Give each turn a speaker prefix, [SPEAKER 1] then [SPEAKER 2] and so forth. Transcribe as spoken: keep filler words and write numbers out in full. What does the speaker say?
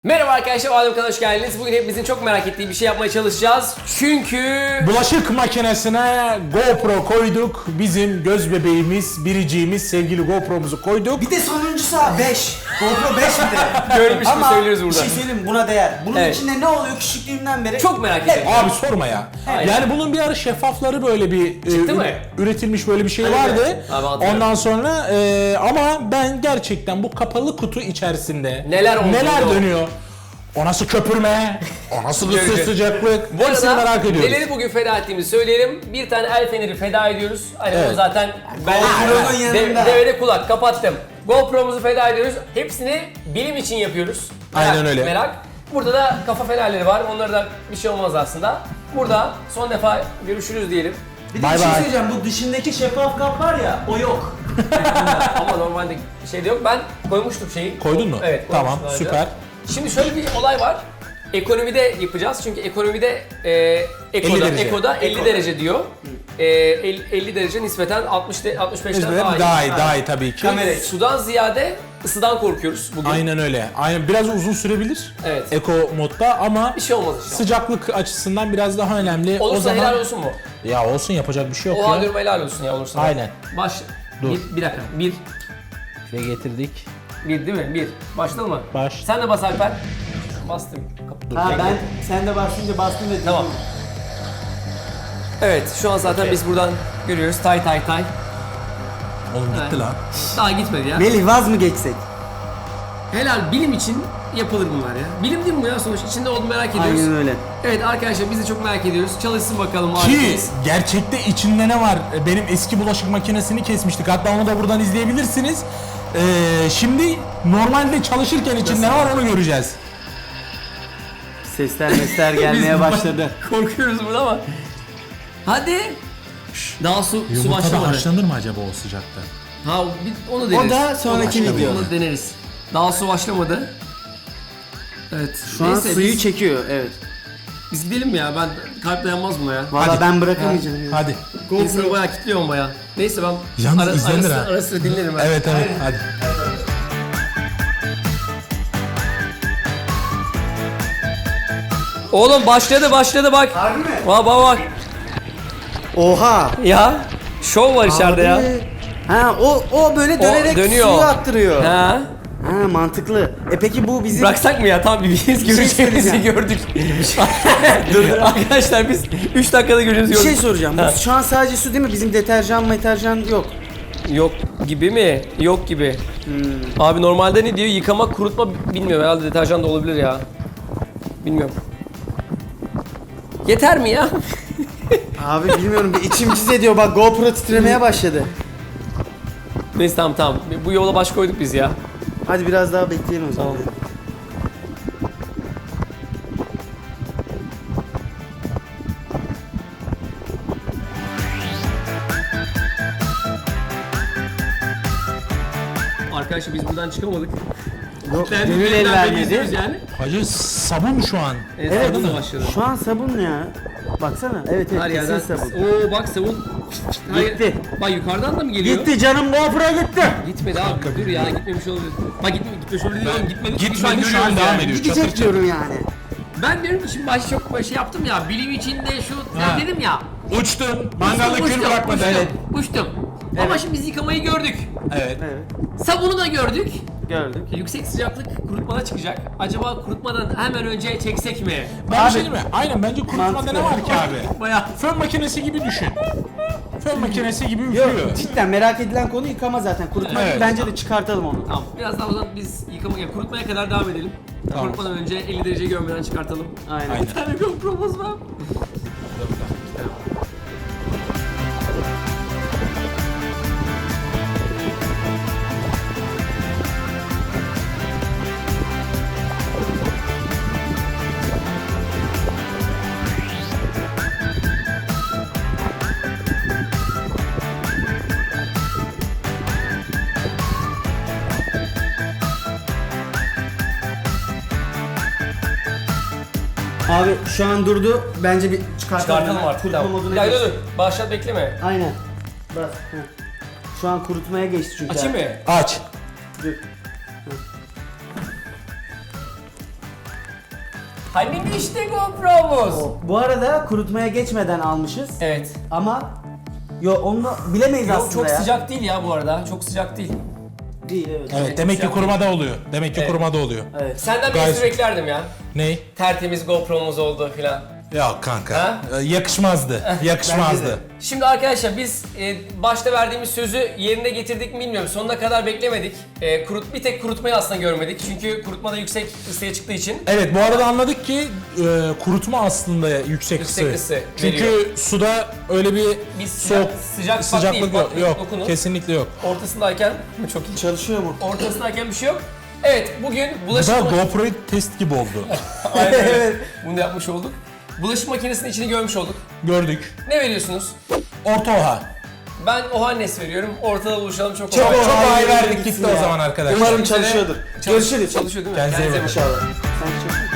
[SPEAKER 1] Merhaba arkadaşlar, Adem kanalına hoş geldiniz. Bugün hepimizin çok merak ettiği bir şey yapmaya çalışacağız. Çünkü...
[SPEAKER 2] Bulaşık makinesine GoPro koyduk. Bizim göz bebeğimiz, biriciğimiz, sevgili GoPro'muzu koyduk.
[SPEAKER 3] Bir de sonuncusu beş. GoPro beş bir de.
[SPEAKER 1] Görmüş gibi
[SPEAKER 3] Ama
[SPEAKER 1] söylüyoruz
[SPEAKER 3] bir
[SPEAKER 1] burada.
[SPEAKER 3] şey söyleyeyim, buna değer. Bunun
[SPEAKER 1] Evet.
[SPEAKER 3] içinde ne oluyor küçüklüğümden beri?
[SPEAKER 1] Çok merak ediyorum.
[SPEAKER 2] Abi sorma ya.
[SPEAKER 1] Aynen.
[SPEAKER 2] Yani bunun bir ara şeffafları böyle bir e,
[SPEAKER 1] Çıktı mı?
[SPEAKER 2] üretilmiş böyle bir şey
[SPEAKER 1] Evet.
[SPEAKER 2] vardı.
[SPEAKER 1] Abi hatırlıyorum.
[SPEAKER 2] Ondan sonra e, ama ben gerçekten bu kapalı kutu içerisinde
[SPEAKER 1] Neler olduğunu-
[SPEAKER 2] neler dönüyor? O nasıl köpürme? O nasıl ısı
[SPEAKER 1] Göreceğiz.
[SPEAKER 2] sıcaklık?
[SPEAKER 1] Bu
[SPEAKER 2] Hepsini
[SPEAKER 1] arada
[SPEAKER 2] merak ediyoruz.
[SPEAKER 1] neleri bugün feda ettiğimizi söyleyelim. Bir tane el feneri feda ediyoruz. Hani
[SPEAKER 2] Evet.
[SPEAKER 1] bunu zaten ben
[SPEAKER 3] GoPro'nun
[SPEAKER 1] de,
[SPEAKER 3] yanında.
[SPEAKER 1] devede kulak kapattım. GoPro'muzu feda ediyoruz. Hepsini bilim için yapıyoruz. Merak,
[SPEAKER 2] Aynen öyle.
[SPEAKER 1] Merak. Burada da kafa fenerleri var. Onlara da bir şey olmaz aslında. Burada son defa görüşürüz diyelim.
[SPEAKER 3] Bir de
[SPEAKER 2] Bye
[SPEAKER 3] bir şey
[SPEAKER 2] bye.
[SPEAKER 3] söyleyeceğim, bu dışındaki şeffaf kap var ya, o yok.
[SPEAKER 1] Ama normalde şey de yok. Ben koymuştum şeyi.
[SPEAKER 2] Koydun mu?
[SPEAKER 1] Evet.
[SPEAKER 2] Tamam,
[SPEAKER 1] koymuştum daha önce.
[SPEAKER 2] süper.
[SPEAKER 1] Şimdi şöyle bir olay var. Ekonomide yapacağız çünkü ekonomide e, Eko'da,
[SPEAKER 2] elli derece.
[SPEAKER 1] Eko'da elli
[SPEAKER 3] Eko.
[SPEAKER 1] derece diyor. E, elli, elli derece nispeten altmış de, altmış beşten daha iyi.
[SPEAKER 2] Daha iyi, daha iyi tabii ki.
[SPEAKER 3] Kamera.
[SPEAKER 1] Sudan ziyade ısıdan korkuyoruz bugün.
[SPEAKER 2] Aynen öyle. Aynen biraz uzun sürebilir.
[SPEAKER 1] Evet.
[SPEAKER 2] Eko modda ama
[SPEAKER 1] Bir şey olmaz inşallah.
[SPEAKER 2] sıcaklık açısından biraz daha önemli.
[SPEAKER 1] Olursa
[SPEAKER 2] o zaman
[SPEAKER 1] helal olsun mu?
[SPEAKER 2] ya olsun, yapacak bir şey yok
[SPEAKER 1] Oha
[SPEAKER 2] ya.
[SPEAKER 1] diyorum helal olsun ya olursa.
[SPEAKER 2] Aynen.
[SPEAKER 1] Baş.
[SPEAKER 2] Dur.
[SPEAKER 1] Bir, bir dakika. Bir.
[SPEAKER 2] Şuraya getirdik.
[SPEAKER 1] Bir değil mi? Bir. Başladın mı?
[SPEAKER 2] Baş.
[SPEAKER 1] Sen de bas Alper. Bastım. Dur,
[SPEAKER 3] Ha
[SPEAKER 1] bekle.
[SPEAKER 3] ben, sen de bastınca bastım dedim.
[SPEAKER 1] Tamam. Evet, şu an zaten biz buradan görüyoruz. Tay tay tay.
[SPEAKER 2] Oğlum gitti
[SPEAKER 1] Evet.
[SPEAKER 2] lan.
[SPEAKER 1] Daha gitmedi ya.
[SPEAKER 3] Melih, vaz mı geçsek?
[SPEAKER 1] Helal, bilim için yapılır bunlar ya. Bilim değil mi bu ya sonuç? İçinde olduğunu merak ediyoruz.
[SPEAKER 3] Aynen öyle.
[SPEAKER 1] Evet arkadaşlar, biz de çok merak ediyoruz. Çalışsın bakalım.
[SPEAKER 2] Ki
[SPEAKER 1] harikayız.
[SPEAKER 2] gerçekte içinde ne var? Benim eski bulaşık makinesini kesmiştik. Hatta onu da buradan izleyebilirsiniz. Ee, şimdi normalde çalışırken içinde ne var onu göreceğiz.
[SPEAKER 3] Sesler mesler gelmeye
[SPEAKER 1] Biz
[SPEAKER 3] başladı.
[SPEAKER 1] Korkuyoruz burada ama. Hadi. Daha su, su
[SPEAKER 2] Yumurta da
[SPEAKER 1] başlamadı.
[SPEAKER 2] haşlanır mı acaba o sıcakta?
[SPEAKER 1] Ha, bir- onu deneriz.
[SPEAKER 3] O da sonraki
[SPEAKER 1] Onu-
[SPEAKER 3] video.
[SPEAKER 1] Onu deneriz. Daha su başlamadı. Evet.
[SPEAKER 3] Şu an
[SPEAKER 1] Neyse,
[SPEAKER 3] suyu
[SPEAKER 1] biz,
[SPEAKER 3] çekiyor, evet.
[SPEAKER 1] biz gidelim mi ya? Ben kalp dayanmaz buna ya.
[SPEAKER 3] Valla
[SPEAKER 2] Hadi.
[SPEAKER 3] ben bırakamayacağım ya.
[SPEAKER 2] Hadi.
[SPEAKER 1] İnsanı bayağı kilitliyorum bayağı. Neyse ben
[SPEAKER 2] Yalnız
[SPEAKER 1] ara,
[SPEAKER 2] izlenir
[SPEAKER 1] ara,
[SPEAKER 2] ha.
[SPEAKER 1] sıra, ara sıra dinlerim ben.
[SPEAKER 2] Evet evet hadi.
[SPEAKER 1] Oğlum başladı başladı bak.
[SPEAKER 3] Harbi mi?
[SPEAKER 1] Bak bak bak.
[SPEAKER 3] Oha.
[SPEAKER 1] Ya şov var içeride ya.
[SPEAKER 3] Abi. Ha o o böyle dönerek
[SPEAKER 1] dönüyor.
[SPEAKER 3] suyu attırıyor.
[SPEAKER 1] Ha?
[SPEAKER 3] Ha mantıklı. E peki bu bizim...
[SPEAKER 1] Bıraksak mı ya? Tamam biz göreceğimizi
[SPEAKER 3] söyleyeceğim.
[SPEAKER 1] gördük. Dur arkadaşlar biz üç dakikada göreceğimizi
[SPEAKER 3] Bir şey
[SPEAKER 1] gördük.
[SPEAKER 3] soracağım.
[SPEAKER 1] Ha.
[SPEAKER 3] Bu şu an sadece su değil mi? Bizim deterjan meterjan yok.
[SPEAKER 1] Yok gibi mi? Yok gibi.
[SPEAKER 3] Hmm.
[SPEAKER 1] Abi normalde ne diyor? Yıkama, kurutma bilmiyorum. Herhalde deterjan da olabilir ya. Bilmiyorum. Yeter mi ya?
[SPEAKER 3] Abi bilmiyorum, bir içim cız ediyor. Bak GoPro titremeye başladı.
[SPEAKER 1] Neyse tamam tamam. Bu yola baş koyduk biz ya.
[SPEAKER 3] Hadi biraz daha bekleyelim o zaman.
[SPEAKER 1] Tamam. Arkadaşlar biz buradan çıkamadık.
[SPEAKER 3] Yok,
[SPEAKER 1] Kilitlendik,
[SPEAKER 3] gönül el
[SPEAKER 1] yeniden
[SPEAKER 3] vermedi.
[SPEAKER 1] bekliyoruz yani.
[SPEAKER 2] Hacı sabun şu an.
[SPEAKER 1] Evet,
[SPEAKER 3] Evet.
[SPEAKER 1] sabunla başladı.
[SPEAKER 3] Şu an sabun ya. Baksana. Evet evet,
[SPEAKER 1] Her
[SPEAKER 3] kesin
[SPEAKER 1] yerden.
[SPEAKER 3] sabun.
[SPEAKER 1] Oo bak sabun. Hayır.
[SPEAKER 3] Gitti.
[SPEAKER 1] Bak yukarıdan da mı geliyor?
[SPEAKER 3] Gitti canım, GoPro gitti.
[SPEAKER 1] Gitmedi abi. Dur ya, gitmemiş olabilir. Bak gitme, gitmemiş olabilir diyorum. Gitmedi. Çünkü
[SPEAKER 2] Gitmedi, şu an
[SPEAKER 1] görüyoruz
[SPEAKER 2] devam
[SPEAKER 1] yani.
[SPEAKER 2] ediyor.
[SPEAKER 3] Gidecek
[SPEAKER 2] Çatır çatır.
[SPEAKER 3] diyorum yani.
[SPEAKER 1] Ben diyorum ki şimdi başta çok böyle şey yaptım ya. Bilim içinde şu
[SPEAKER 2] Ha.
[SPEAKER 1] sen dedim ya.
[SPEAKER 2] Uçtun. Mangalda
[SPEAKER 1] Uçtum,
[SPEAKER 2] kül
[SPEAKER 1] uçtum,
[SPEAKER 2] bırakmadın.
[SPEAKER 1] uçtum,
[SPEAKER 2] Evet.
[SPEAKER 1] Uçtum. Ama şimdi biz yıkamayı gördük.
[SPEAKER 2] Evet.
[SPEAKER 3] Evet.
[SPEAKER 1] Sabunu da gördük.
[SPEAKER 3] Gördük.
[SPEAKER 1] Yüksek sıcaklık kurutmada çıkacak. Acaba kurutmadan hemen önce çeksek mi?
[SPEAKER 2] Ben
[SPEAKER 3] Abi-
[SPEAKER 2] bir şey diyeyim mi? Aynen bence kurutmada
[SPEAKER 3] Mantıklı.
[SPEAKER 2] ne var ki abi?
[SPEAKER 1] Bayağı.
[SPEAKER 2] Fön makinesi gibi düşün. Fön makinesi gibi
[SPEAKER 3] Yok
[SPEAKER 2] üflüyor.
[SPEAKER 3] cidden merak edilen konu yıkama zaten. Kurutma
[SPEAKER 2] Evet.
[SPEAKER 3] bence de çıkartalım onu.
[SPEAKER 1] Tamam. Biraz daha o zaman biz yıkamaya, kurutmaya kadar devam edelim.
[SPEAKER 2] Tamam.
[SPEAKER 1] Kurutmadan önce elli dereceyi görmeden çıkartalım.
[SPEAKER 3] Aynen.
[SPEAKER 2] Aynen.
[SPEAKER 1] Bir tane GoPro'muz var.
[SPEAKER 3] Abi şu an durdu. Bence bir çıkartalım.
[SPEAKER 1] Çıkartalım artık.
[SPEAKER 3] Kurutma
[SPEAKER 1] Tamam.
[SPEAKER 3] moduna
[SPEAKER 1] Bir dakika dur
[SPEAKER 3] geçti.
[SPEAKER 1] dur. Başlat bekleme.
[SPEAKER 3] Aynen. Bas. Heh. Şu an kurutmaya geçti çünkü.
[SPEAKER 1] Açayım
[SPEAKER 3] abi.
[SPEAKER 1] mı?
[SPEAKER 2] Aç.
[SPEAKER 3] Dur.
[SPEAKER 1] Hani işte GoPro'muz.
[SPEAKER 3] Bu arada kurutmaya geçmeden almışız.
[SPEAKER 1] Evet.
[SPEAKER 3] Ama yo onu bilemeyiz
[SPEAKER 1] Yok,
[SPEAKER 3] aslında
[SPEAKER 1] çok
[SPEAKER 3] ya.
[SPEAKER 1] sıcak değil ya bu arada. Çok sıcak değil.
[SPEAKER 3] Değil evet.
[SPEAKER 2] Evet, demek ki
[SPEAKER 1] sıcak
[SPEAKER 2] kurumada oluyor. Demek ki
[SPEAKER 1] Evet.
[SPEAKER 2] kurumada oluyor.
[SPEAKER 3] Evet.
[SPEAKER 1] Senden bir
[SPEAKER 2] Gayet-
[SPEAKER 1] espri beklerdim ya.
[SPEAKER 2] Ney?
[SPEAKER 1] Tertemiz GoPro'muz oldu filan.
[SPEAKER 2] Ya kanka.
[SPEAKER 1] Ha?
[SPEAKER 2] e, Yakışmazdı. Yakışmazdı.
[SPEAKER 1] Şimdi arkadaşlar biz e, başta verdiğimiz sözü yerine getirdik mi bilmiyorum. Sonuna kadar beklemedik. E, kurut bir tek kurutmayı aslında görmedik. Çünkü kurutma da yüksek ısıya çıktığı için.
[SPEAKER 2] Evet, bu arada anladık ki e, kurutma aslında yüksek,
[SPEAKER 1] Yüksek
[SPEAKER 2] ısı.
[SPEAKER 1] ısı
[SPEAKER 2] Çünkü
[SPEAKER 1] veriyor.
[SPEAKER 2] suda öyle bir
[SPEAKER 1] Bir sıcak-
[SPEAKER 2] soğuk
[SPEAKER 1] sıcak bak
[SPEAKER 2] sıcaklık
[SPEAKER 1] değil,
[SPEAKER 2] yok.
[SPEAKER 1] bak,
[SPEAKER 2] Yok,
[SPEAKER 1] dokunun.
[SPEAKER 2] kesinlikle yok.
[SPEAKER 1] Ortasındayken çok iyi.
[SPEAKER 3] Çalışıyor mu?
[SPEAKER 1] Ortasındayken bir şey yok. Evet bugün
[SPEAKER 2] Bu
[SPEAKER 1] bulaşık
[SPEAKER 2] da
[SPEAKER 1] makinesi...
[SPEAKER 2] GoPro test gibi oldu.
[SPEAKER 1] Aynen öyle. Bunu da yapmış olduk. Bulaşık makinesinin içini görmüş olduk.
[SPEAKER 2] Gördük.
[SPEAKER 1] Ne veriyorsunuz?
[SPEAKER 2] Orta oha.
[SPEAKER 1] Ben Ohannes veriyorum. Ortada buluşalım çok
[SPEAKER 2] Çok,
[SPEAKER 1] kolay.
[SPEAKER 2] çok
[SPEAKER 3] Oha,
[SPEAKER 2] ay
[SPEAKER 3] yürü
[SPEAKER 2] verdik
[SPEAKER 3] gitsin
[SPEAKER 2] gitti o
[SPEAKER 3] ya.
[SPEAKER 2] zaman arkadaşlar.
[SPEAKER 3] Umarım
[SPEAKER 1] Görüşmek üzere.
[SPEAKER 3] çalışıyordur.
[SPEAKER 1] Çalış-
[SPEAKER 3] Görüşürüz.
[SPEAKER 1] Çalışıyor değil mi?
[SPEAKER 2] Kendinize iyi bakın.
[SPEAKER 3] İnşallah. Sen çalışıyor musun?